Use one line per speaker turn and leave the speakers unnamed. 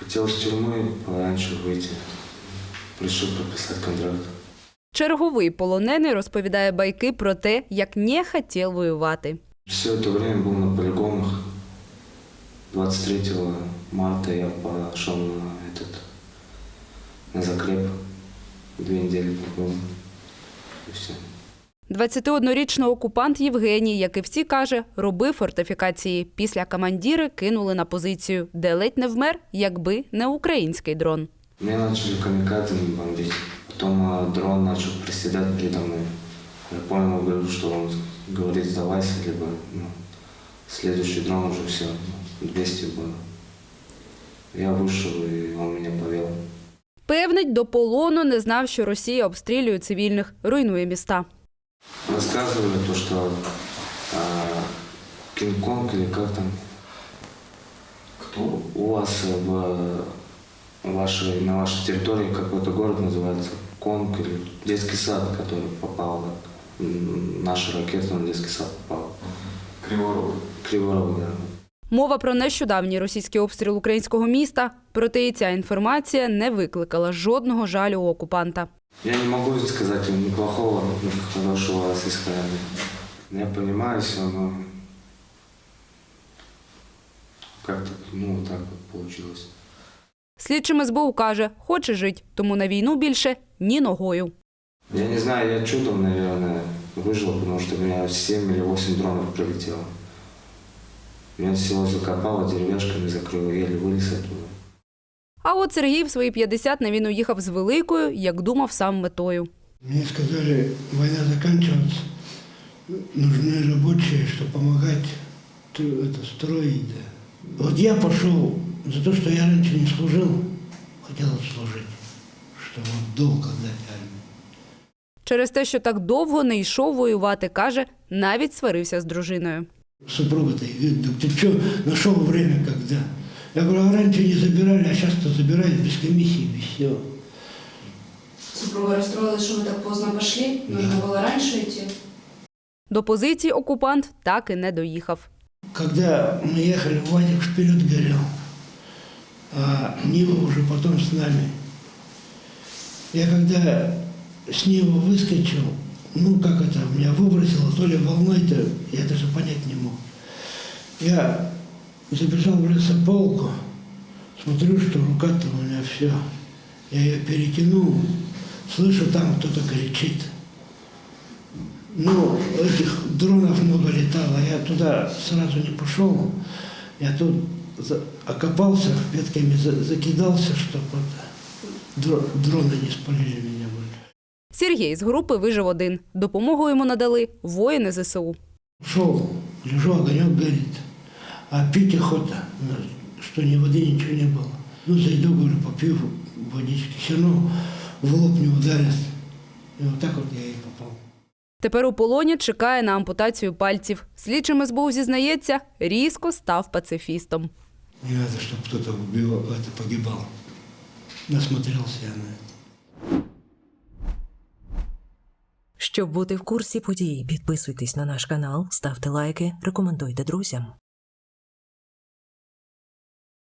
Хотел с тюрьмы пораньше выйти. Решил подписать контракт.
Черговий полонений розповідає байки про те, як не хотів воювати.
Все это время был на полигонах. 23 марта я пошел на закреп. 2 недели побыл. И все.
21-річний окупант Євгеній, як і всі, каже, робив фортифікації. Після командири кинули на позицію, де ледь не вмер, якби не український дрон.
Меня начали камикадзе бомбить. Потом дрон начал приседать передо мной. Я понял, говорю, что он говорит сдавайся, либо следующий дрон уже все, 200 было. Я вышел, и он меня повел.
Певнить, до полону не знав, що Росія обстрілює цивільних, руйнує міста.
Рассказывали то, что Кинг-Конг или как там, кто у вас на вашей территории какой-то город называется Конг или детский сад, который попал, наша ракета на детский сад попала.
Криворог.
Криворог, да.
Мова про нещодавній російський обстріл українського міста, проте і ця інформація не викликала жодного жалю у окупанта.
Я не могу сказать ни плохого, ни хорошего российской армии. Я понимаю все, но как-то, так вот получилось.
Слідчим СБУ каже, хоче жить, тому на війну більше ні ногою.
Я не знаю, я чудом, наверное, выжил, потому что у меня 7 или 8 дронов прилетело. Меня всего закопало, деревяшками закрыло, еле вылез оттуда.
А от Сергій в свої 50 на війну їхав з великою, як думав, сам метою.
Мне сказали, война заканчивается, нужны рабочие, чтобы помогать строить. Да. Вот я пошел за то, что я раньше не служил, хотел служить, чтобы долг отдать армии.
Через те, що так довго не йшов воювати, каже, навіть сварився з дружиною.
Супруга-то говорит, ты что, нашел время когда? Я говорю, а раньше не забирали, а сейчас-то забирают без комиссии, без всего.
Супруга расстроилась, что вы так поздно пошли. Нужно было раньше идти.
До позиції окупант так і не доїхав.
Когда мы ехали, УАЗик вперед горел, а Нива уже потом с нами. Я когда с Нивы выскочил, меня выбросило, то ли волной-то, я даже понять не мог. Я забежал в лесополку, смотрю, что рука-то у меня все. Я ее перетянул, слышу, там кто-то кричит. Этих дронов много летало, я туда сразу не пошел. Я тут окопался, ветками закидался, чтобы дроны не спалили меня.
Сергій з групи вижив один. Допомогу йому надали воїни ЗСУ.
Шел, лежу, огонек горит, а пить охота, что ни воды, ничего не было. Зайду, говорю, попью водички, все равно в лоб не ударят. И вот так вот я и попал.
Тепер у полоні чекає на ампутацію пальців. Слідчим СБУ зізнається, різко став пацифістом.
Не надо, чтобы кто-то погибал. Насмотрелся я на это.
Щоб бути в курсі подій, підписуйтесь на наш канал, ставте лайки, рекомендуйте друзям.